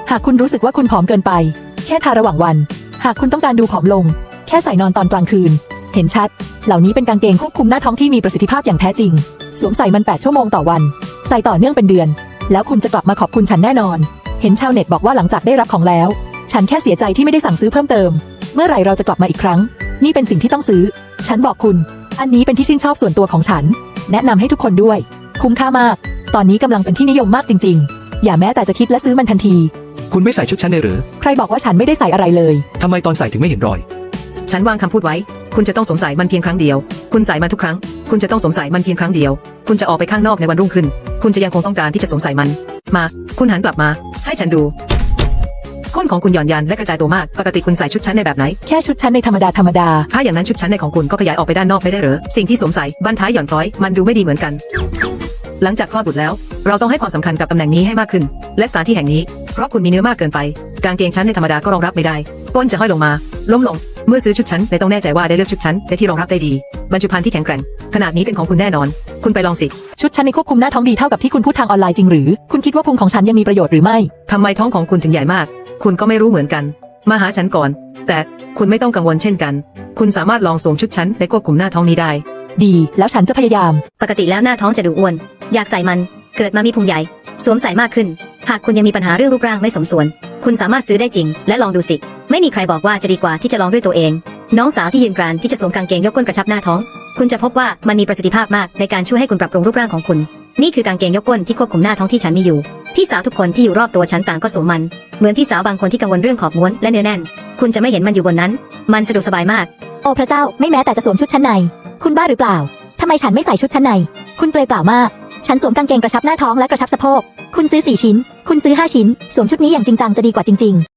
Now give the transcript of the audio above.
หากคุณรู้สึกว่าคุณผอมเกินไปแค่ทาระหว่างวันหากคุณต้องการดูผอมลงแค่ใส่นอนตอนกลางคืนเห็นชัดเหล่านี้เป็นกางเกงควบคุมหน้าท้องที่มีประสิทธิภาพอย่างแท้จริงสวมใส่มัน8 ชั่วโมงต่อวันใส่ต่อเนื่องเป็นเดือนแล้วคุณจะกลับมาขอบคุณฉันแน่นอนเห็นชาวเน็ตบอกว่าหลังจากได้รับของแล้วฉันแค่เสียใจที่ไม่ได้สั่งซื้อเพิ่มเติมเมื่อไหร่เราจะกลับมาอีกครั้งนี่เป็นสิ่งที่ต้องซื้อฉันบอกคุณอันนี้เป็นที่ชื่นชอบส่วนตัวของฉันแนะนำให้ทุกคนด้วยคุ้มค่ามากตอนนี้กำลังเป็นที่นิยมมากจริงๆอย่าแม้แต่จะคิดและซื้อมันทันทีคุณไม่ใส่ชุดชั้นในหรือใครบอกว่าฉันไม่ได้ใส่อะไรเลยทำไมตอนใส่ถึงไม่เห็นรอยฉันวางคำพูดไว้คุณจะต้องสวมใส่มันเพียงครั้งเดียวคุณใส่มันทุกครั้งคุณจะต้องสวมใส่มันเพียงครั้งเดียวคุณจะออกไปข้างนอกในวันรุ่งขึ้นคุณจะยังคงต้องการที่จะสวมใส่มันมาคุณหันกลับมาให้ฉันดูก้นของคุณหย่อนยันและกระจายตัวมากปกติคุณใส่ชุดชั้นในแบบไหนแค่ชุดชั้นในธรรมดาถ้าอย่างนั้นชุดชั้นในของคุณก็ขยายออกไปด้านนอกไม่ได้เหรอสิ่งที่สวมใส่บั้นท้ายหย่อนคล้อยมันดูไม่ดีเหมือนกันหลังจากคลอดบุตรแล้วเราต้องให้ความสำคัญกับตำแหน่งนี้ให้มากขึ้นและสถานที่แห่งนี้เพราะคุณมีเนื้อมากเกินไปกางเกงชั้นในธรรมดาก็รองรับไม่ได้ก้นจะห้อยลงมาล้มลงเมื่อซื้อชุดชั้นในต้องแน่ใจว่าได้เลือกชุดชั้นในที่รองรับได้ดีบรรจุภัณฑ์ที่แข็งแกร่งขนาดนี้เป็นของคุณแน่นอนคุณไปลองสิชุดชั้นในควบคุมหน้าท้องดีเท่ากับที่คุณพูดทางออนไลน์จริงหรือคุณคิดว่าพุงของฉันยังมีประโยชน์หรือไม่ทำไมท้องของคุณถึงใหญ่มากคุณก็ไม่รู้เหมือนกันมาหาฉันก่อนแต่คุณไม่ต้องกังวลเช่นกันคุณสามารถลองสวมชุดชั้นในควบคุมหน้าท้องนี้ได้ดีแล้วฉันจะพยายามปกติแล้วหน้าท้องจะดูอ้วนอยากใส่มันเกิดมามีพุงใหญ่สวมใส่มากขึ้นหากคุณยังมีปัญหาเรื่องรูปร่างไม่สมส่วนคุณสามารถซื้อได้จริงและลองดูสิไม่มีใครบอกว่าจะดีกว่าที่จะลองด้วยตัวเองน้องสาวที่ยืนกรานที่จะสวมกางเกงยกก้นกระชับหน้าท้องคุณจะพบว่ามันมีประสิทธิภาพมากในการช่วยให้คุณปรับปรุงรูปร่างของคุณนี่คือกางเกงยกก้นที่ควบคุมหน้าท้องที่ฉันมีอยู่พี่สาวทุกคนที่อยู่รอบตัวฉันต่างก็สวมมันเหมือนพี่สาวบางคนที่กังวลเรื่องขอบม้วนและเนื้อแน่นคุณจะไม่เห็นมันอยู่บนนั้นมันสะดวกสบายมากโอ้พระเจ้าไม่แม้แต่จะสวมชุดชั้นในคุณบ้าหรือเปล่าทำไมฉันไม่ใส่ชุดชั้นในคุณเปลือยเปล่ามากฉันสวมกางเกงกระชับหน้าท้องและกระชับสะโพกคุณซื้อ4 ชิ้นคุณซื้อ5 ชิ้นสวมชุดนี้อย่างจริงจังจะดีกว่าจริงๆ